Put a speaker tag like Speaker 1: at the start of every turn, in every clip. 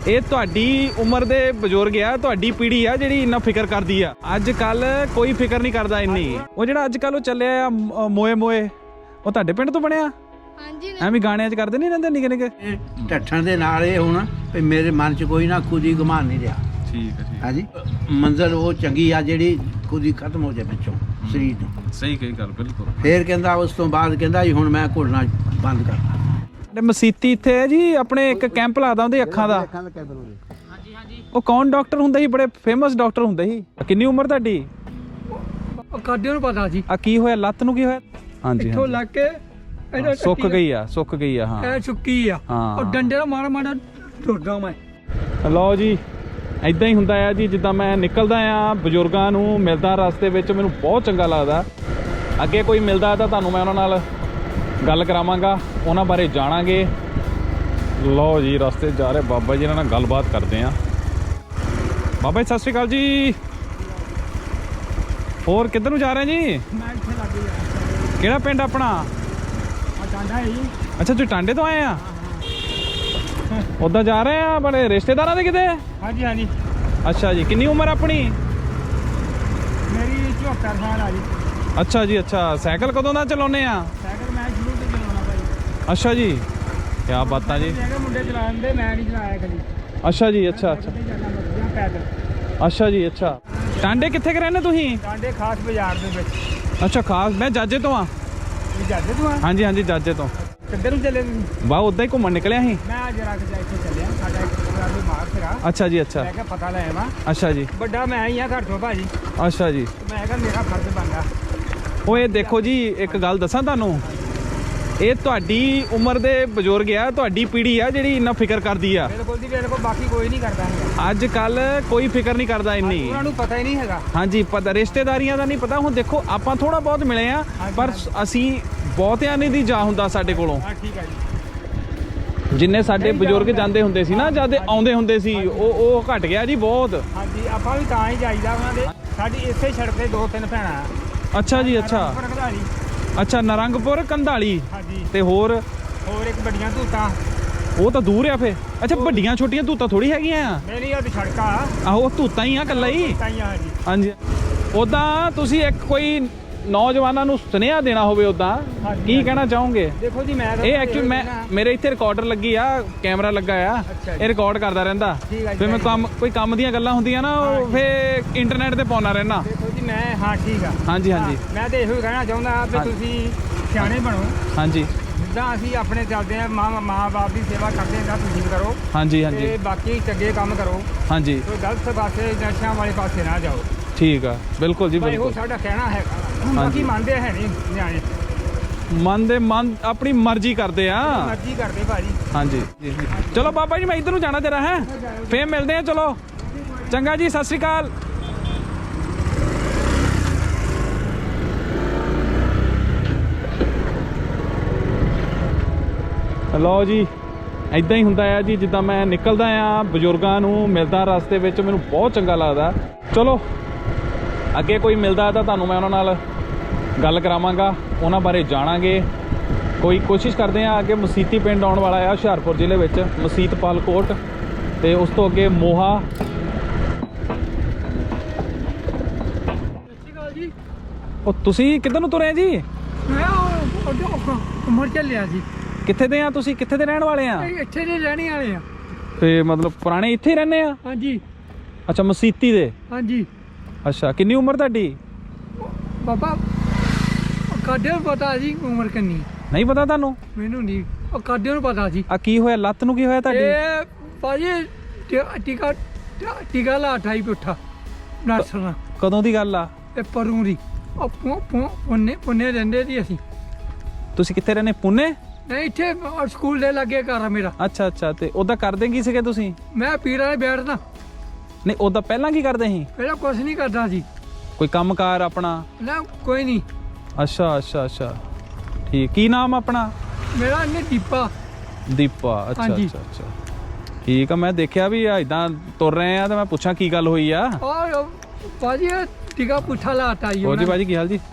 Speaker 1: ਇਹ ਤੁਹਾਡੀ ਉਮਰ ਦੇ ਬਜ਼ੁਰਗ ਆ, ਤੁਹਾਡੀ ਪੀੜ੍ਹੀ ਆ ਜਿਹੜੀ ਇੰਨਾ ਫਿਕਰ ਕਰਦੀ ਆ। ਅੱਜ ਕੱਲ ਕੋਈ ਫਿਕਰ ਨਹੀਂ ਕਰਦਾ ਇੰਨੀ। ਉਹ ਜਿਹੜਾ ਅੱਜ ਕੱਲ ਉਹ ਚੱਲਿਆ ਆ ਮੋਏ ਮੋਏ, ਉਹ ਤੁਹਾਡੇ ਪਿੰਡ ਤੋਂ ਬਣਿਆ? ਹਾਂਜੀ। ਐਵੇਂ ਗਾਣਿਆਂ 'ਚ ਕਰਦੇ ਨਹੀਂ ਰਹਿੰਦੇ ਨਿੱਕੇ ਨਿੱਕੇ
Speaker 2: ਢੱਠਣ ਦੇ ਨਾਲ ਇਹ ਹੁਣ ਵੀ ਮੇਰੇ ਮਨ 'ਚ ਕੋਈ ਨਾ ਖੁਦੀ ਗੁਮਾਨ ਨਹੀਂ ਰਿਹਾ।
Speaker 1: ਠੀਕ ਹੈ, ਠੀਕ।
Speaker 2: ਹਾਂਜੀ, ਮੰਜ਼ਲ ਉਹ ਚੰਗੀ ਆ ਜਿਹੜੀ ਖੁਦੀ ਖਤਮ ਹੋ ਜਾਏ ਵਿੱਚੋਂ ਸਰੀਰ ਤੋਂ।
Speaker 1: ਸਹੀ ਕਹੀ ਗੱਲ, ਬਿਲਕੁਲ।
Speaker 2: ਫੇਰ ਕਹਿੰਦਾ ਉਸ ਤੋਂ ਬਾਅਦ ਕਹਿੰਦਾ ਜੀ ਹੁਣ ਮੈਂ ਘੁਲਣਾ ਬੰਦ ਕਰਤਾ।
Speaker 1: ਮਸੀਤੀ ਇੱਥੇ ਹੈ ਜੀ ਆਪਣੇ, ਇੱਕ ਕੈਂਪ ਲੱਗਦਾ ਉਹਦੇ ਅੱਖਾਂ ਦਾ।
Speaker 2: ਹਾਂਜੀ ਹਾਂਜੀ।
Speaker 1: ਉਹ ਕੌਣ ਡਾਕਟਰ ਹੁੰਦਾ ਸੀ? ਬੜੇ ਫੇਮਸ ਡਾਕਟਰ ਹੁੰਦੇ ਸੀ। ਕਿੰਨੀ ਉਮਰ ਤੁਹਾਡੀ?
Speaker 3: ਕਾਡਿਓ ਨੂੰ ਪਤਾ ਜੀ।
Speaker 1: ਆ ਕੀ ਹੋਇਆ? ਲੱਤ ਨੂੰ ਕੀ ਹੋਇਆ? ਹਾਂਜੀ,
Speaker 3: ਇੱਥੋਂ ਲੱਗ ਕੇ
Speaker 1: ਸੁੱਕ ਗਈ ਆ, ਸੁੱਕ ਗਈ ਆ। ਹਾਂ,
Speaker 3: ਇਹ ਸੁੱਕੀ ਆ।
Speaker 1: ਹਾਂ।
Speaker 3: ਉਹ ਡੰਡੇ ਦਾ ਮਾੜਾ ਮਾੜਾ ਟੁੱਟਦਾ ਮੈਂ।
Speaker 1: ਲਓ ਜੀ, ਇਦਾਂ ਹੀ ਹੁੰਦਾ ਆ ਜੀ। ਜਿੱਦਾਂ ਮੈਂ ਨਿਕਲਦਾ ਆ, ਬਜ਼ੁਰਗਾਂ ਨੂੰ ਮਿਲਦਾ ਰਸਤੇ ਵਿੱਚ, ਮੈਨੂੰ ਬਹੁਤ ਚੰਗਾ ਲੱਗਦਾ। ਅੱਗੇ ਕੋਈ ਮਿਲਦਾ ਤਾਂ ਤੁਹਾਨੂੰ ਮੈਂ ਉਹਨਾਂ ਨਾਲ ਗੱਲ ਕਰਾਵਾਂਗਾ, ਉਹਨਾਂ ਬਾਰੇ ਜਾਣਾਂਗੇ। ਲਓ ਜੀ, ਰਸਤੇ ਜਾ ਰਹੇ ਬਾਬਾ ਜੀ ਨਾਲ ਗੱਲਬਾਤ ਕਰਦੇ ਆ। ਬਾਬਾ ਜੀ ਸਤਿ ਸ਼੍ਰੀ ਅਕਾਲ ਜੀ। ਹੋਰ ਕਿੱਧਰ ਨੂੰ ਜਾ ਰਹੇ ਜੀ?
Speaker 3: ਮੈਂ ਇੱਥੇ ਲੱਗ ਗਿਆ।
Speaker 1: ਕਿਹੜਾ ਪਿੰਡ ਆਪਣਾ?
Speaker 3: ਆ ਡਾਂਡਾ ਹੈ ਜੀ।
Speaker 1: ਅੱਛਾ, ਤੁਸੀਂ ਟਾਂਡੇ ਤੋਂ ਆਏ ਆ? ਉੱਦਾਂ ਜਾ ਰਹੇ ਆ ਬੜੇ ਰਿਸ਼ਤੇਦਾਰਾਂ ਦੇ ਕਿਤੇ?
Speaker 3: ਹਾਂਜੀ ਹਾਂਜੀ।
Speaker 1: ਅੱਛਾ ਜੀ, ਕਿੰਨੀ ਉਮਰ ਆਪਣੀ?
Speaker 3: ਮੇਰੀ 74 ਸਾਲ ਆ ਜੀ।
Speaker 1: ਅੱਛਾ ਜੀ, ਅੱਛਾ। ਸਾਈਕਲ ਕਦੋਂ ਦਾ ਚਲਾਉਂਦੇ ਆ?
Speaker 3: ਸਾਈਕਲ ਮੈਂ ਸ਼ੁਰੂ ਤੋਂ ਚਲਾਉਣਾ ਭਾਈ।
Speaker 1: ਅੱਛਾ ਜੀ, ਕਿਆ ਬਾਤਾਂ ਜੀ।
Speaker 3: ਮੁੰਡੇ ਚਲਾਉਂਦੇ, ਮੈਂ ਨਹੀਂ ਚਲਾਇਆ ਕਦੀ।
Speaker 1: ਅੱਛਾ ਜੀ, ਅੱਛਾ ਅੱਛਾ।
Speaker 3: ਪੈਦਲ।
Speaker 1: ਅੱਛਾ ਜੀ, ਅੱਛਾ। ਟਾਂਡੇ ਕਿੱਥੇ ਕੁ ਰਹਿੰਦੇ ਤੁਸੀਂ?
Speaker 3: ਡਾਂਡੇ ਖਾਸ ਬਾਜ਼ਾਰ ਦੇ ਵਿੱਚ।
Speaker 1: ਅੱਛਾ, ਖਾਸ। ਮੈਂ ਜਾਜੇ ਤੋਂ ਆ।
Speaker 3: ਇਹ ਜਾਂਦੇ ਤੂੰ ਆ?
Speaker 1: ਹਾਂਜੀ ਹਾਂਜੀ, ਜਾਜੇ ਤੋਂ।
Speaker 3: ਕਿੱਧਰ ਨੂੰ ਚੱਲੇ ਤੁਸੀਂ?
Speaker 1: ਵਾਹ, ਉੱਦਾਂ ਹੀ ਘੁੰਮਣ ਨਿਕਲਿਆ ਸੀ।
Speaker 3: ਮੈਂ ਜਰਾ ਕਿ ਇੱਥੇ ਚੱਲਿਆ, ਸਾਡਾ ਇੱਕ ਪ੍ਰੋਗਰਾਮ ਵੀ ਮਾਰ ਫਿਰਾ।
Speaker 1: ਅੱਛਾ ਜੀ, ਅੱਛਾ।
Speaker 3: ਮੈਂ ਕਿਹਾ ਪਤਾ ਲੈ ਆਵਾਂ।
Speaker 1: ਅੱਛਾ ਜੀ,
Speaker 3: ਵੱਡਾ ਮੈਂ ਹੀ ਆ ਘਰ ਤੋਂ ਭਾਜੀ।
Speaker 1: ਅੱਛਾ ਜੀ।
Speaker 3: ਮੈਂ ਕਿਹਾ ਮੇਰਾ ਫਰਜ਼ ਬਣਦਾ।
Speaker 1: ਉਹ ਇਹ ਦੇਖੋ ਜੀ, ਇੱਕ ਗੱਲ ਦੱਸਾਂ ਤੁਹਾਨੂੰ, ਇਹ ਤੁਹਾਡੀ ਉਮਰ ਦੇ ਬਜ਼ੁਰਗ ਆ, ਤੁਹਾਡੀ ਪੀੜ੍ਹੀ ਆ ਜਿਹੜੀ ਇੰਨਾ ਫਿਕਰ ਕਰਦੀ ਆ।
Speaker 3: ਬਿਲਕੁਲ ਜੀ ਬਿਲਕੁਲ, ਬਾਕੀ ਕੋਈ ਨਹੀਂ ਕਰਦਾ ਹੈਗਾ।
Speaker 1: ਅੱਜ ਕੱਲ ਕੋਈ ਫਿਕਰ ਨਹੀਂ ਕਰਦਾ ਇੰਨੀ।
Speaker 3: ਉਹਨਾਂ ਨੂੰ ਪਤਾ ਹੀ ਨਹੀਂ ਹੈਗਾ।
Speaker 1: ਹਾਂਜੀ, ਪਤਾ ਰਿਸ਼ਤੇਦਾਰੀਆਂ ਦਾ ਨਹੀਂ ਪਤਾ। ਹੁਣ ਦੇਖੋ, ਆਪਾਂ ਥੋੜਾ ਬਹੁਤ ਮਿਲੇ ਆ, ਪਰ ਅਸੀਂ ਬਹੁਤਿਆਂ ਨੇ ਦੀ ਜਾ ਹੁੰਦਾ ਸਾਡੇ ਕੋਲੋਂ।
Speaker 3: ਹਾਂ ਠੀਕ ਹੈ ਜੀ।
Speaker 1: ਜਿੰਨੇ ਸਾਡੇ ਬਜ਼ੁਰਗ ਜਾਂਦੇ ਹੁੰਦੇ ਸੀ ਨਾ, ਜਦ ਆਉਂਦੇ ਹੁੰਦੇ ਸੀ, ਉਹ ਘਟ ਗਿਆ ਜੀ ਬਹੁਤ।
Speaker 3: ਹਾਂਜੀ, ਆਪਾਂ ਵੀ ਤਾਂ ਹੀ ਜਾਈਦਾ ਉਹਨਾਂ ਦੇ। ਸਾਡੀ ਇਸੇ ਸੜਕ ਤੇ 2-3 ਭੈਣਾਂ ਆ।
Speaker 1: ਅੱਛਾ ਜੀ, ਅੱਛਾ ਅੱਛਾ। ਨਰੰਗਪੁਰ ਕੰਧਾਲੀ
Speaker 3: ਹਾਂਜੀ।
Speaker 1: ਤੇ ਹੋਰ
Speaker 3: ਇੱਕ ਵੱਡੀਆਂ ਧੂਤਾਂ।
Speaker 1: ਉਹ ਤਾਂ ਦੂਰ ਆ ਫੇ। ਅੱਛਾ, ਵੱਡੀਆਂ ਛੋਟੀਆਂ ਧੂਤਾਂ ਥੋੜੀ ਹੈਗੀਆਂ ਆ।
Speaker 3: ਮੇਰੀ ਆ ਸੜਕਾਂ ਆ।
Speaker 1: ਆਹੋ, ਧੂਤਾਂ ਹੀ ਆ ਇਕੱਲਾ ਹੀ।
Speaker 3: ਹਾਂਜੀ
Speaker 1: ਹਾਂਜੀ। ਉਦਾਂ ਤੁਸੀਂ ਇੱਕ ਕੋਈ ਨੌਜਵਾਨਾਂ ਨੂੰ ਸੁਨੇਹਾ ਦੇਣਾ ਹੋਵੇ, ਉਦਾਂ ਕੀ ਕਹਿਣਾ ਚਾਹੋਗੇ?
Speaker 3: ਦੇਖੋ ਜੀ, ਮੈਂ
Speaker 1: ਇਹ ਐਕਚੁਅਲੀ ਮੇਰੇ ਇੱਥੇ ਰਿਕਾਰਡਰ ਲੱਗੀ ਆ, ਕੈਮਰਾ ਲੱਗਾ ਆ, ਇਹ ਰਿਕਾਰਡ ਕਰਦਾ ਰਹਿੰਦਾ। ਫਿਰ ਮੈਂ ਕੋਈ ਕੰਮ ਦੀਆਂ ਗੱਲਾਂ ਹੁੰਦੀਆਂ ਨਾ, ਉਹ ਫੇ ਇੰਟਰਨੈਟ ਤੇ ਪਾਉਣਾ ਰਹਿਣਾ।
Speaker 3: ਦੇਖੋ ਜੀ ਮੈਂ, ਹਾਂ ਠੀਕ ਆ।
Speaker 1: ਹਾਂਜੀ ਹਾਂਜੀ।
Speaker 3: ਮੈਂ ਤਾਂ ਇਹੋ ਹੀ ਕਹਿਣਾ ਚਾਹੁੰਦਾ ਵੀ ਤੁਸੀਂ ਸਿਆਣੇ ਬਣੋ।
Speaker 1: ਹਾਂਜੀ।
Speaker 3: ਜਿੱਦਾਂ ਅਸੀਂ ਆਪਣੇ ਚੱਲਦੇ ਆ, ਮਾਂ ਬਾਪ ਦੀ ਸੇਵਾ ਕਰਦੇ ਹਾਂ, ਤੁਸੀਂ ਕਰੋ।
Speaker 1: ਹਾਂਜੀ ਹਾਂਜੀ।
Speaker 3: ਤੇ ਬਾਕੀ ਚੰਗੇ ਕੰਮ ਕਰੋ।
Speaker 1: ਹਾਂਜੀ।
Speaker 3: ਕੋਈ ਗਲਤ ਪਾਸੇ, ਨਸ਼ਿਆਂ ਵਾਲੇ ਪਾਸੇ ਨਾ ਜਾਓ।
Speaker 1: ਠੀਕ ਆ, ਬਿਲਕੁਲ ਜੀ ਬਿਲਕੁਲ।
Speaker 3: ਇਹੋ ਸਾਡਾ ਕਹਿਣਾ ਹੈਗਾ। ਬਾਕੀ ਮੰਨਦੇ ਹੈ ਨਹੀਂ ਨਿਆਣੇ।
Speaker 1: ਮਨ ਆਪਣੀ ਮਰਜ਼ੀ ਕਰਦੇ ਆ।
Speaker 3: ਮਰਜ਼ੀ ਕਰਦੇ ਭਾਜੀ।
Speaker 1: ਹਾਂਜੀ। ਚਲੋ ਬਾਬਾ ਜੀ, ਮੈਂ ਇੱਧਰ ਨੂੰ ਜਾਣਾ ਜਰਾ ਹੈ, ਫੇਰ ਮਿਲਦੇ ਆ। ਚਲੋ ਚੰਗਾ ਜੀ, ਸਤਿ ਸ਼੍ਰੀ ਅਕਾਲ। ਲਓ ਜੀ, ਇਦਾਂ ਹੀ ਹੁੰਦਾ ਆ ਜੀ। ਜਿੱਦਾਂ ਮੈਂ ਨਿਕਲਦਾ ਆ, ਬਜ਼ੁਰਗਾਂ ਨੂੰ ਮਿਲਦਾ ਰਸਤੇ ਵਿੱਚ, ਮੈਨੂੰ ਬਹੁਤ ਚੰਗਾ ਲੱਗਦਾ। ਚਲੋ ਅੱਗੇ ਕੋਈ ਮਿਲਦਾ ਤਾਂ ਤੁਹਾਨੂੰ ਮੈਂ ਉਹਨਾਂ ਨਾਲ ਗੱਲ ਕਰਾਵਾਂਗਾ, ਉਹਨਾਂ ਬਾਰੇ ਜਾਣਾਂਗੇ। ਕੋਈ ਕੋਸ਼ਿਸ਼ ਕਰਦੇ ਆ। ਅੱਗੇ ਮਸੀਤੀ ਪਿੰਡ ਆਉਣ ਵਾਲਾ ਆ, ਹੁਸ਼ਿਆਰਪੁਰ ਜ਼ਿਲ੍ਹੇ ਵਿੱਚ, ਮਸੀਤ ਪਾਲਕੋਟ, ਤੇ ਉਸ ਤੋਂ ਅੱਗੇ ਮੋਹਾ। ਉਹ ਤੁਸੀਂ ਕਿੱਧਰ ਨੂੰ ਤੁਰੇ ਜੀ?
Speaker 3: ਮੈਂ ਉਮਰ ਚੱਲਿਆ ਜੀ।
Speaker 1: ਕਿੱਥੇ ਦੇ ਆ ਤੁਸੀਂ? ਕਿੱਥੇ ਦੇ ਰਹਿਣ ਵਾਲੇ ਆ?
Speaker 3: ਇੱਥੇ ਦੇ ਰਹਿਣੇ ਵਾਲੇ ਆ।
Speaker 1: ਤੇ ਮਤਲਬ ਪੁਰਾਣੇ ਇੱਥੇ ਹੀ ਰਹਿੰਦੇ ਆ?
Speaker 3: ਹਾਂਜੀ।
Speaker 1: ਅੱਛਾ, ਮਸੀਤੀ ਦੇ।
Speaker 3: ਹਾਂਜੀ।
Speaker 1: ਅੱਛਾ, ਕਿੰਨੀ ਉਮਰ ਤੁਹਾਡੀ?
Speaker 3: ਬਾਬਾ ਕਾਡਿਓ ਨੂੰ ਪਤਾ ਜੀ ਉਮਰ ਕਿੰਨੀ।
Speaker 1: ਨਹੀਂ ਪਤਾ ਤੁਹਾਨੂੰ?
Speaker 3: ਮੈਨੂੰ ਨਹੀਂ, ਉਹ ਕਾਡਿਓ ਨੂੰ ਪਤਾ ਜੀ।
Speaker 1: ਆ ਕੀ ਹੋਇਆ? ਲੱਤ ਨੂੰ ਕੀ ਹੋਇਆ ਤੁਹਾਡੀ?
Speaker 3: ਇਹ ਭਾਜੀ ਟੀਕਾ ਲਾ 28 ਪੁੱਠਾ ਡਾਕਟਰ ਨਾਲ।
Speaker 1: ਕਦੋਂ ਦੀ ਗੱਲ ਆ?
Speaker 3: ਇਹ ਪਰੂ ਦੀ। ਪੁੰਨੇ ਰਹਿੰਦੇ ਸੀ ਅਸੀਂ।
Speaker 1: ਤੁਸੀਂ ਕਿੱਥੇ ਰਹਿੰਦੇ? ਪੁਣੇ?
Speaker 3: ਨਹੀਂ, ਇੱਥੇ ਸਕੂਲ ਦੇ ਲਾਗੇ ਘਰ ਆ ਮੇਰਾ।
Speaker 1: ਅੱਛਾ ਅੱਛਾ। ਤੇ ਉਹਦਾ ਕਰਦੇ ਕੀ ਸੀਗੇ ਤੁਸੀਂ?
Speaker 3: ਮੈਂ ਪੀਰਾਂ ਦੇ ਬੈਠਦਾ।
Speaker 1: ਨਹੀਂ, ਉਹਦਾ ਪਹਿਲਾਂ ਕੀ ਕਰਦੇ ਸੀ?
Speaker 3: ਪਹਿਲਾਂ ਕੁਛ ਨਹੀਂ ਕਰਦਾ ਸੀ।
Speaker 1: ਕੋਈ ਕੰਮਕਾਰ ਆਪਣਾ?
Speaker 3: ਨਾ, ਕੋਈ ਨਹੀਂ।
Speaker 1: ਅੱਛਾ ਅੱਛਾ ਅੱਛਾ, ਠੀਕ। ਕੀ ਨਾਮ ਆਪਣਾ?
Speaker 3: ਮੇਰਾ ਨੇ ਦੀਪਾ।
Speaker 1: ਦੀਪਾ। ਅੱਛਾ ਅੱਛਾ ਅੱਛਾ, ਠੀਕ ਆ। ਮੈਂ ਦੇਖਿਆ ਵੀ ਇਦਾਂ ਤੁਰ ਰਹੇ ਆ, ਤੇ ਮੈਂ ਪੁੱਛਾਂ ਕੀ ਗੱਲ ਹੋਈ ਆ।
Speaker 3: ਔਰ ਭਾਜੀ ਟੀਕਾ ਪੁੱਠਾ ਲਾਤਾ ਜੀ।
Speaker 1: ਹੋਰ ਜੀ ਭਾਜੀ, ਕੀ ਹਾਲ ਜੀ?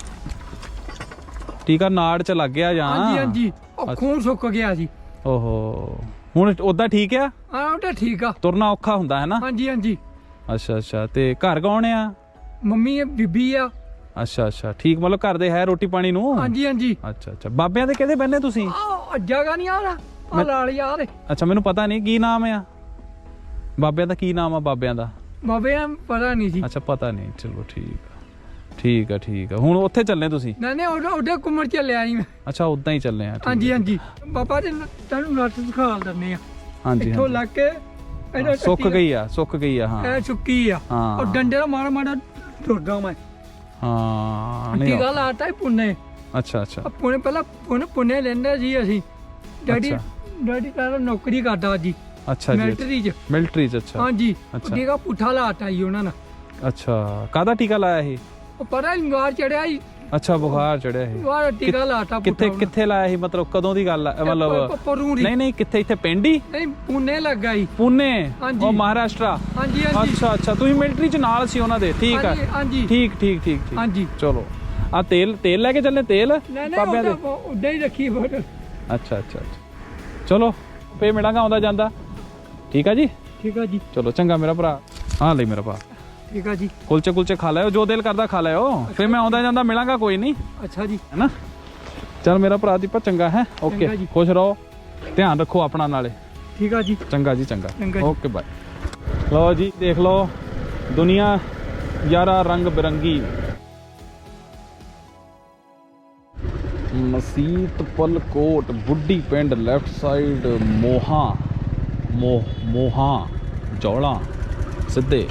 Speaker 1: ਟੀਕਾ ਨਾੜ ਚ ਲੱਗ ਗਿਆ ਜਾਂ?
Speaker 3: ਹਾਂਜੀ ਹਾਂਜੀ, ਉਹ ਖੂਨ ਸੁੱਕ ਗਿਆ ਜੀ।
Speaker 1: ਓਹੋ, ਹੁਣ ਉਦਾਂ ਠੀਕ ਆ?
Speaker 3: ਹਾਂ ਉਹ ਤਾਂ ਠੀਕ ਆ।
Speaker 1: ਤੁਰਨਾ ਔਖਾ ਹੁੰਦਾ ਹੈ ਨਾ?
Speaker 3: ਹਾਂਜੀ ਹਾਂਜੀ।
Speaker 1: ਅੱਛਾ ਅੱਛਾ। ਤੇ ਘਰ ਕੌਣ ਆ?
Speaker 3: ਮੰਮੀ ਆ, ਬੀਬੀ ਆ।
Speaker 1: ਅੱਛਾ ਅੱਛਾ ਠੀਕ, ਮਤਲਬ ਘਰ ਦੇ ਹੈ ਰੋਟੀ ਪਾਣੀ ਨੂੰ?
Speaker 3: ਹਾਂਜੀ ਹਾਂਜੀ।
Speaker 1: ਅੱਛਾ ਅੱਛਾ। ਬਾਬਿਆਂ ਦੇ ਕਿਹਦੇ ਬੰਨੇ ਤੁਸੀਂ?
Speaker 3: ਆ ਜਗ੍ਹਾ ਨਹੀਂ ਆ ਰਹਾ ਲਾਲ ਯਾਰ।
Speaker 1: ਅੱਛਾ ਮੈਨੂੰ ਪਤਾ ਨਹੀਂ ਕੀ ਨਾਮ ਆ ਬਾਬਿਆਂ ਦਾ, ਕੀ ਨਾਮ ਆ ਬਾਬਿਆਂ ਦਾ?
Speaker 3: ਬਾਬੇ ਆ ਪਤਾ ਨਹੀਂ ਸੀ।
Speaker 1: ਅੱਛਾ ਪਤਾ ਨਹੀਂ, ਚਲੋ ਠੀਕ ਆ ਠੀਕ ਆ ਠੀਕ ਆ। ਹੁਣ ਉੱਥੇ ਚੱਲੇ ਤੁਸੀਂ?
Speaker 3: ਨਹੀਂ ਉਹਦੇ ਘੁੰਮਣ ਚੱਲਿਆ ਸੀ ਮੈਂ।
Speaker 1: ਅੱਛਾ ਉਦਾਂ ਹੀ ਚੱਲੇ ਆ?
Speaker 3: ਹਾਂਜੀ ਹਾਂਜੀ। ਬਾਬਾ ਜੀ ਤੁਹਾਨੂੰ ਨੱਟ ਦਿਖਾ ਦਿੰਦੇ ਆ।
Speaker 1: ਹਾਂਜੀ
Speaker 3: ਇੱਥੋਂ ਲੱਗ ਕੇ
Speaker 1: ਸੁੱਕ ਗਈ ਆ, ਸੁੱਕ ਗਈ ਆ। ਹਾਂ
Speaker 3: ਇਹ ਸੁੱਕੀ ਆ।
Speaker 1: ਹਾਂ।
Speaker 3: ਉਹ ਡੰਡੇ ਦਾ ਮਾੜਾ ਮਾੜਾ ਟੁਰਗਾ ਮੈਂ।
Speaker 1: ਹਾਂ
Speaker 3: ਟੀਕਾ ਲਾਤਾ ਹੀ ਪੁੰਨੇ।
Speaker 1: ਅੱਛਾ ਅੱਛਾ।
Speaker 3: ਪੁੰਨੇ ਪਹਿਲਾਂ ਪੁੰਨੇ ਲੈਂਦੇ ਸੀ ਅਸੀਂ। ਡੈਡੀ ਤਾਂ ਨੌਕਰੀ ਕਰਦਾ ਜੀ।
Speaker 1: ਅੱਛਾ ਜੀ।
Speaker 3: ਮਿਲਟਰੀ ਚ।
Speaker 1: ਮਿਲਟਰੀ ਚ? ਅੱਛਾ
Speaker 3: ਹਾਂਜੀ।
Speaker 1: ਅੱਛਾ।
Speaker 3: ਟੀਕਾ ਪੁੱਠਾ ਲਾਤਾ ਜੀ ਉਹਨਾਂ ਨੇ।
Speaker 1: ਅੱਛਾ ਕਾਹਦਾ ਟੀਕਾ ਲਾਇਆ ਸੀ?
Speaker 3: ਉਹ ਪਤਾ ਨਹੀਂ ਬੁਖਾਰ ਚੜਿਆ ਜੀ।
Speaker 1: ਅੱਛਾ ਬੁਖਾਰ ਚੜਿਆ ਸੀ।
Speaker 3: ਉਹ ਟੀਕਾ ਲਾਤਾ ਪੁੱਠਾ।
Speaker 1: ਕਿੱਥੇ ਲਾਇਆ ਸੀ, ਮਤਲਬ ਕਦੋਂ ਦੀ ਗੱਲ ਆ? ਮਤਲਬ
Speaker 3: ਪਰੂਰੀ।
Speaker 1: ਨਹੀਂ ਕਿੱਥੇ, ਇੱਥੇ ਪਿੰਡ ਹੀ?
Speaker 3: ਨਹੀਂ ਪੁੰਨੇ ਲੱਗਾ ਜੀ।
Speaker 1: ਪੁਣੇ?
Speaker 3: ਹਾਂਜੀ।
Speaker 1: ਉਹ ਮਹਾਰਾਸ਼ਟਰਾ?
Speaker 3: ਹਾਂਜੀ ਹਾਂਜੀ।
Speaker 1: ਅੱਛਾ ਅੱਛਾ। ਤੁਸੀਂ ਮਿਲਟਰੀ ਚ ਨਾਲ ਸੀ ਉਹਨਾਂ ਦੇ? ਠੀਕ ਆ
Speaker 3: ਹਾਂਜੀ
Speaker 1: ਠੀਕ ਠੀਕ ਠੀਕ ਠੀਕ।
Speaker 3: ਹਾਂਜੀ।
Speaker 1: ਚਲੋ ਆ ਤੇਲ ਲੈ ਕੇ ਚੱਲੇ? ਤੇਲ ਬਾਬਿਆਂ ਦੇ?
Speaker 3: ਉੱਦਾਂ ਹੀ ਰੱਖੀ ਬੋਤਲ।
Speaker 1: ਅੱਛਾ ਅੱਛਾ ਅੱਛਾ। ਚਲੋ ਫੇਰ ਮਿਲਾਂਗਾ ਆਉਂਦਾ ਜਾਂਦਾ। ਠੀਕ ਆ ਜੀ।
Speaker 3: ਠੀਕ ਆ ਜੀ।
Speaker 1: ਚਲੋ ਚੰਗਾ ਮੇਰਾ ਭਰਾ। ਹਾਂ ਲਈ ਮੇਰਾ ਭਰਾ।
Speaker 3: ਠੀਕ ਆ ਜੀ।
Speaker 1: ਕੁਲਚੇ ਖਾ ਲਿਓ, ਜੋ ਦਿਲ ਕਰਦਾ ਖਾ ਲਿਓ। ਫਿਰ ਮੈਂ ਆਉਂਦਾ ਜਾਂਦਾ ਮਿਲਾਂਗਾ, ਕੋਈ ਨਹੀਂ।
Speaker 3: ਅੱਛਾ ਜੀ।
Speaker 1: ਹੈ ਨਾ? ਚਲ ਮੇਰਾ ਭਰਾ ਦੀਪਾ ਚੰਗਾ ਹੈ। ਓਕੇ
Speaker 3: ਚੰਗਾ ਜੀ।
Speaker 1: ਖੁਸ਼ ਰਹੋ, ਧਿਆਨ ਰੱਖੋ ਆਪਣਾ ਨਾਲੇ।
Speaker 3: ਠੀਕ ਆ ਜੀ।
Speaker 1: ਚੰਗਾ ਜੀ ਚੰਗਾ।
Speaker 3: ਚੰਗਾ ਜੀ।
Speaker 1: Okay bye. ਲਓ ਜੀ ਦੇਖ ਲਓ ਦੁਨੀਆ ਯਾਰਾ ਰੰਗ ਬਿਰੰਗੀ। ਮਸੀਤ ਪਲਕੋਟ ਬੁੱਢੀ ਪਿੰਡ ਲੈਫਟ ਸਾਈਡ ਮੋਹਾ ਜੌਲਾ ਸਿੱਧੇ।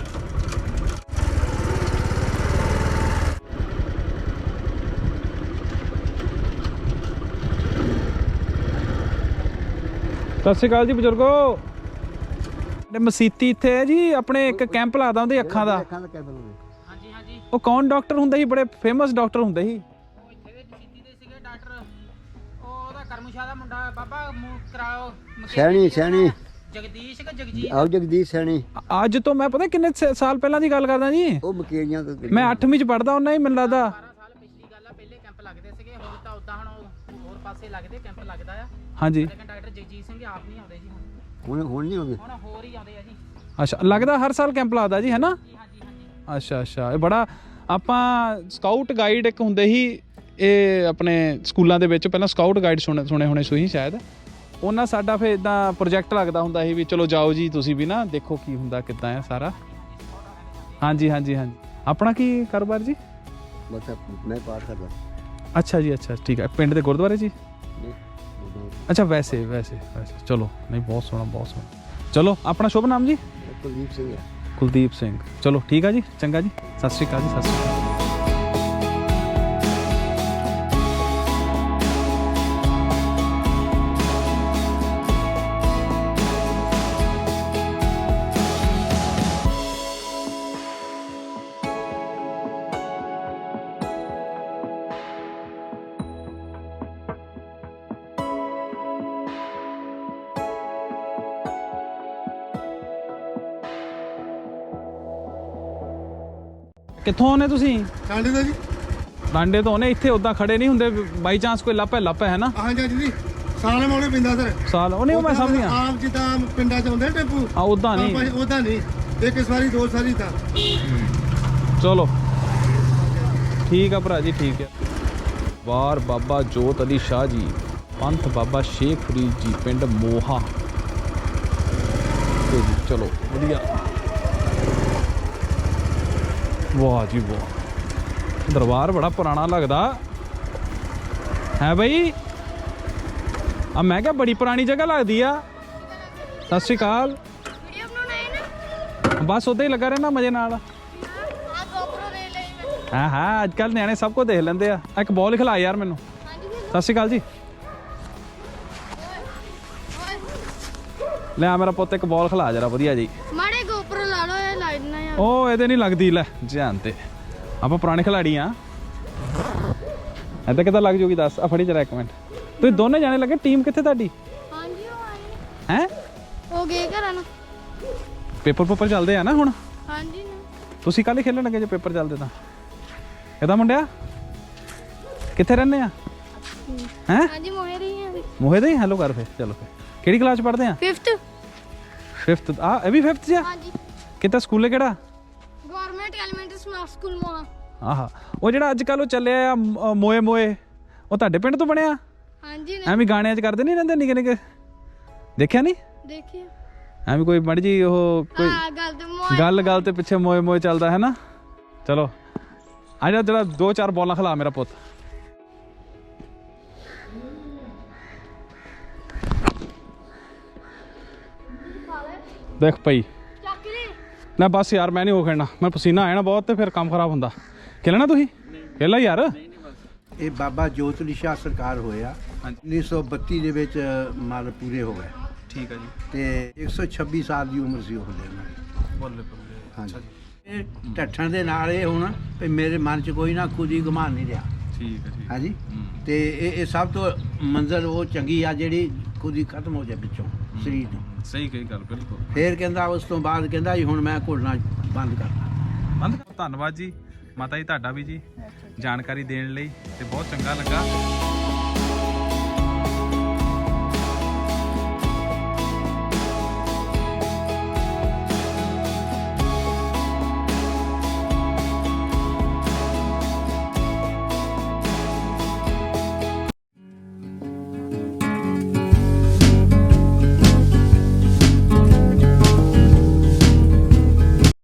Speaker 1: ਸਤਿ ਸ਼੍ਰੀ ਅਕਾਲ ਜੀ ਬਜ਼ੁਰਗੋ। ਮਸੀਤੀ ਇੱਥੇ ਹੈ ਜੀ ਆਪਣੇ, ਇੱਕ ਕੈਂਪ ਲਾਦਾ ਉਹਦੇ ਅੱਖਾਂ ਦਾ।
Speaker 4: ਹਾਂਜੀ ਹਾਂਜੀ।
Speaker 1: ਉਹ ਕੌਣ ਡਾਕਟਰ ਹੁੰਦਾ ਸੀ? ਬੜੇ ਫੇਮਸ ਡਾਕਟਰ ਹੁੰਦੇ ਸੀ।
Speaker 4: ਉਹ ਇੱਥੇ ਦੇ ਮਸੀਤੀ ਦੇ ਸੀਗੇ ਡਾਕਟਰ। ਉਹਦਾ ਕਰਮਸ਼ਾਹ ਦਾ ਮੁੰਡਾ ਬਾਬਾ ਕਰਾਓ
Speaker 5: ਸੈਣੀ
Speaker 4: ਜਗਦੀਸ਼ ਕਿ ਜਗਜੀਤ?
Speaker 5: ਆਓ ਜਗਦੀਸ਼ ਸੈਣੀ।
Speaker 1: ਅੱਜ ਤੋਂ ਮੈਂ ਪਤਾ ਕਿੰਨੇ ਸਾਲ ਪਹਿਲਾਂ ਦੀ ਗੱਲ ਕਰਦਾ ਜੀ।
Speaker 5: ਉਹ ਮਕੇਰੀਆਂ ਤੋਂ
Speaker 1: ਮੈਂ 8ਵੀਂ ਚ ਪੜਦਾ ਹੁੰਦਾ ਹੀ ਮੈਨੂੰ ਲੱਗਦਾ।
Speaker 4: 12 ਸਾਲ ਪਿਛਲੀ ਗੱਲ ਆ। ਪਹਿਲੇ ਕੈਂਪ ਲੱਗਦੇ ਸੀਗੇ, ਹੁਣ ਤਾਂ ਉਦਾਂ ਹੁਣ ਹੋਰ ਪਾਸੇ ਲੱਗਦੇ ਕੈਂਪ ਲੱਗਦਾ ਆ।
Speaker 1: ਹਾਂਜੀ।
Speaker 4: ਲੇਕਿਨ ਡਾਕਟਰ ਜਗਜੀਤ ਸਿੰਘ ਆਪ ਨਹੀਂ ਆਉਂਦੇ ਜੀ
Speaker 5: ਹੁਣ ਨਹੀਂ ਆਉਂਦੇ।
Speaker 4: ਹੁਣ ਹੋਰ ਹੀ ਆਉਂਦੇ ਆ ਜੀ।
Speaker 1: ਅੱਛਾ ਲੱਗਦਾ ਹਰ ਸਾਲ ਕੈਂਪ ਲੱਗਦਾ ਜੀ, ਹੈ ਨਾ?
Speaker 4: ਜੀ ਹਾਂਜੀ ਹਾਂਜੀ।
Speaker 1: ਅੱਛਾ ਅੱਛਾ। ਇਹ ਬੜਾ ਆਪਾਂ ਸਕਾਊਟ ਗਾਈਡ ਇੱਕ ਹੁੰਦੇ ਸੀ ਇਹ ਆਪਣੇ ਸਕੂਲਾਂ ਦੇ ਵਿੱਚ, ਪਹਿਲਾਂ ਸਕਾਊਟ ਗਾਈਡ ਸੁਣੇ ਹੋਣੇ ਸੀ ਸ਼ਾਇਦ। ਉਹਨਾਂ ਸਾਡਾ ਫਿਰ ਇਦਾਂ ਪ੍ਰੋਜੈਕਟ ਲੱਗਦਾ ਹੁੰਦਾ ਸੀ ਵੀ ਚਲੋ ਜਾਓ ਜੀ ਤੁਸੀਂ ਵੀ ਨਾ ਦੇਖੋ ਕੀ ਹੁੰਦਾ ਕਿੱਦਾਂ ਆ ਸਾਰਾ। ਹਾਂਜੀ ਹਾਂਜੀ ਹਾਂਜੀ। ਆਪਣਾ ਕੀ ਕਾਰੋਬਾਰ ਜੀ?
Speaker 5: ਬਸ ਮੈਂ ਪਾਠ ਕਰਦਾ।
Speaker 1: ਅੱਛਾ ਜੀ ਅੱਛਾ ਠੀਕ ਹੈ। ਪਿੰਡ ਦੇ ਗੁਰਦੁਆਰੇ ਜੀ? ਅੱਛਾ ਵੈਸੇ ਚਲੋ ਨਹੀਂ ਬਹੁਤ ਸੋਹਣਾ ਬਹੁਤ ਸੋਹਣਾ। ਚਲੋ ਆਪਣਾ ਸ਼ੁਭ ਨਾਮ ਜੀ?
Speaker 5: ਕੁਲਦੀਪ ਸਿੰਘ।
Speaker 1: ਕੁਲਦੀਪ ਸਿੰਘ। ਚਲੋ ਠੀਕ ਆ ਜੀ ਚੰਗਾ ਜੀ। ਸਤਿ ਸ਼੍ਰੀ ਅਕਾਲ ਜੀ। ਸਤਿ ਸ਼੍ਰੀ ਅਕਾਲ। ਕਿੱਥੋਂ ਆਉਨੇ ਤੁਸੀਂ?
Speaker 6: ਟਾਂਡੇ ਦਾ ਜੀ।
Speaker 1: ਡਾਂਡੇ ਤੋਂ ਆਉਨੇ? ਇੱਥੇ ਉਦਾਂ ਖੜੇ ਨਹੀਂ ਹੁੰਦੇ ਬਾਈ ਚਾਂਸ ਕੋਈ ਲਾਪਾ ਹੈ ਨਾ?
Speaker 6: ਹਾਂਜੀ ਜੀ। ਸਾਲ ਮੌਲੇ ਪੈਂਦਾ ਸਰ।
Speaker 1: ਸਾਲ ਉਹ ਨਹੀਂ ਮੈਂ ਸਮਝ ਗਿਆ।
Speaker 6: ਆਮ ਜਿੱਦਾਂ ਪਿੰਡਾਂ 'ਚ ਹੁੰਦੇ ਟੈਂਪੂ।
Speaker 1: ਆ ਉਦਾਂ ਨਹੀਂ?
Speaker 6: ਉਦਾਂ ਨਹੀਂ, ਇੱਕ ਸਵਾਰੀ ਦੋ ਸਵਾਰੀ ਤਾਂ।
Speaker 1: ਚਲੋ ਠੀਕ ਆ ਭਰਾ ਜੀ ਠੀਕ ਹੈ। ਵਾਰ ਬਾਬਾ ਜੋਤ ਅਲੀ ਸ਼ਾਹ ਜੀ, ਪੰਥ ਬਾਬਾ ਸ਼ੇਖ ਫਰੀਦ ਜੀ, ਪਿੰਡ ਮੋਹਾ। ਚਲੋ ਵਧੀਆ। ਵਾਹ ਜੀ ਵਾਹ, ਦਰਬਾਰ ਬੜਾ ਪੁਰਾਣਾ ਲੱਗਦਾ ਹੈ ਬਈ। ਆ ਮੈਂ ਕਿਹਾ ਬੜੀ ਪੁਰਾਣੀ ਜਗ੍ਹਾ ਲੱਗਦੀ ਆ। ਸਤਿ ਸ਼੍ਰੀ ਅਕਾਲ। ਬਸ ਉਦਾਂ ਹੀ ਲੱਗਾ ਰਹਿਣਾ ਮਜ਼ੇ ਨਾਲ। ਹਾਂ ਅੱਜ ਕੱਲ੍ਹ ਨਿਆਣੇ ਸਭ ਕੁਝ ਦੇਖ ਲੈਂਦੇ ਆ। ਇੱਕ ਬਾਲ ਖਿਲਾ ਯਾਰ ਮੈਨੂੰ। ਸਤਿ ਸ਼੍ਰੀ ਅਕਾਲ ਜੀ। ਲੈ ਆ ਮੇਰਾ ਪੁੱਤ ਇੱਕ ਬਾਲ ਖਿਲਾ ਜਰਾ ਵਧੀਆ ਜੀ।
Speaker 7: ਮਾੜੇ ਗੋਪਰ ਲਾ ਲਓ, ਇਹ ਲਾਈਟ ਨਾ ਆ।
Speaker 1: ਉਹ ਇਹਦੇ ਨਹੀਂ ਲੱਗਦੀ। ਲੈ ਧਿਆਨ ਤੇ ਆਪਾਂ ਪੁਰਾਣੇ ਖਿਲਾੜੀ ਆ। ਐਦਾਂ ਕਿੱਦਾਂ ਲੱਗ ਜੂਗੀ ਦੱਸ? ਆ ਫੜੀ ਜਰਾ ਇੱਕ ਮਿੰਟ। ਤੁਸੀਂ ਦੋਨੇ ਜਾਣੇ ਲੱਗੇ, ਟੀਮ ਕਿੱਥੇ ਤੁਹਾਡੀ?
Speaker 7: ਹਾਂਜੀ ਉਹ ਆਏ
Speaker 1: ਹੈ
Speaker 7: ਉਹ ਗਏ ਘਰਾਂ ਨੂੰ।
Speaker 1: ਪੇਪਰ ਚੱਲਦੇ ਆ ਨਾ ਹੁਣ?
Speaker 7: ਹਾਂਜੀ
Speaker 1: ਤੁਸੀਂ ਕੱਲ ਹੀ ਖੇਲਣ ਲੱਗੇ ਜੇ ਪੇਪਰ ਚੱਲਦੇ ਤਾਂ? ਇਹਦਾ ਮੁੰਡਿਆ ਕਿੱਥੇ ਰਹਿੰਦੇ ਆ? ਹੈ
Speaker 7: ਹਾਂਜੀ ਮੋਹੇ ਰਹੀ ਆ।
Speaker 1: ਮੋਹੇ ਦੇ ਹੀ? ਹੈਲੋ ਕਰ ਫਿਰ। ਚਲੋ ਫਿਰ ਕਿਹੜੀ ਕਲਾਸ ਚ ਪੜ੍ਹਦੇ ਆ?
Speaker 7: 5th
Speaker 1: 5th ਆ ਇਹ ਵੀ 5th ਚ ਆ?
Speaker 7: ਹਾਂਜੀ
Speaker 1: ਕਿੱਥੇ ਸਕੂਲੇ ਕਿਹੜਾ?
Speaker 7: ਗਵਰਨਮੈਂਟ ਐਲੀਮੈਂਟਰੀ ਸਮਾਰਟ ਸਕੂਲ ਮੋਹਾ।
Speaker 1: ਆਹਾ ਉਹ ਜਿਹੜਾ ਅੱਜ ਕੱਲ ਉਹ ਚੱਲਿਆ ਆ ਮੋਏ ਮੋਏ, ਉਹ ਤੁਹਾਡੇ ਪਿੰਡ ਤੋਂ ਬਣਿਆ?
Speaker 7: ਹਾਂਜੀ ਨੇ
Speaker 1: ਐਵੇਂ ਗਾਣਿਆਂ 'ਚ ਕਰਦੇ ਨਹੀਂ ਰਹਿੰਦੇ ਨਿੱਕੇ ਨਿੱਕੇ, ਦੇਖਿਆ ਨਹੀਂ?
Speaker 7: ਦੇਖਿਓ
Speaker 1: ਐਵੇਂ ਕੋਈ ਮੜ ਜੀ ਉਹ ਕੋਈ
Speaker 7: ਆ ਗੱਲ ਤੇ ਮੋਏ
Speaker 1: ਗੱਲ ਤੇ ਪਿੱਛੇ ਮੋਏ ਮੋਏ ਚੱਲਦਾ ਹੈ ਨਾ। ਚਲੋ ਆ ਜਾ ਜਰਾ 2-4 ਬੋਲਾਂ ਖਿਲਾ ਮੇਰਾ ਪੁੱਤ। ਦੇਖ ਪਈ
Speaker 7: ਚੱਕ ਲਈ
Speaker 1: ਨਾ ਬਸ ਯਾਰ, ਮੈਂ ਨਹੀਂ ਉਹ ਖੇਡਣਾ, ਮੈਂ ਪਸੀਨਾ ਆਇਆ ਨਾ ਬਹੁਤ ਤੇ ਫਿਰ ਕੰਮ ਖਰਾਬ ਹੁੰਦਾ। ਖੇਲਣਾ ਤੁਸੀਂ ਖੇਲਾ ਯਾਰ।
Speaker 2: ਇਹ ਬਾਬਾ ਜੋਤਲੀ ਸ਼ਾਹ ਸਰਕਾਰ ਹੋਇਆ 1932 ਦੇ ਵਿੱਚ ਮਲ ਪੂਰੇ ਹੋ ਗਏ।
Speaker 1: ਠੀਕ ਹੈ ਜੀ।
Speaker 2: ਤੇ 126 ਸਾਲ ਦੀ ਉਮਰ ਸੀ ਉਹਦੇ ਨਾਲ।
Speaker 1: ਬੱਲੇ ਬੱਲੇ।
Speaker 2: ਹਾਂਜੀ ਇਹ ਢੱਠਣ ਦੇ ਨਾਲ ਇਹ ਹੁਣ ਵੀ ਮੇਰੇ ਮਨ 'ਚ ਕੋਈ ਨਾ ਖੁਦੀ ਗੁਮਾਨ ਨਹੀਂ ਰਿਹਾ।
Speaker 1: ਠੀਕ ਹੈ ਜੀ।
Speaker 2: ਹਾਂਜੀ ਤੇ ਇਹ ਸਭ ਤੋਂ ਮੰਜ਼ਰ ਉਹ ਚੰਗੀ ਆ ਜਿਹੜੀ ਖੁਦੀ ਖਤਮ ਹੋ ਜਾਏ ਵਿੱਚੋਂ ਸਰੀਰ ਤੋਂ।
Speaker 1: ਸਹੀ ਕਹੀ ਗੱਲ ਬਿਲਕੁਲ।
Speaker 2: ਫੇਰ ਕਹਿੰਦਾ ਉਸ ਤੋਂ ਬਾਅਦ ਕਹਿੰਦਾ ਜੀ ਹੁਣ ਮੈਂ ਘੁਲਣਾ ਬੰਦ ਕਰਨਾ।
Speaker 1: ਧੰਨਵਾਦ ਜੀ ਮਾਤਾ ਜੀ ਤੁਹਾਡਾ ਵੀ ਜੀ ਜਾਣਕਾਰੀ ਦੇਣ ਲਈ, ਤੇ ਬਹੁਤ ਚੰਗਾ ਲੱਗਾ।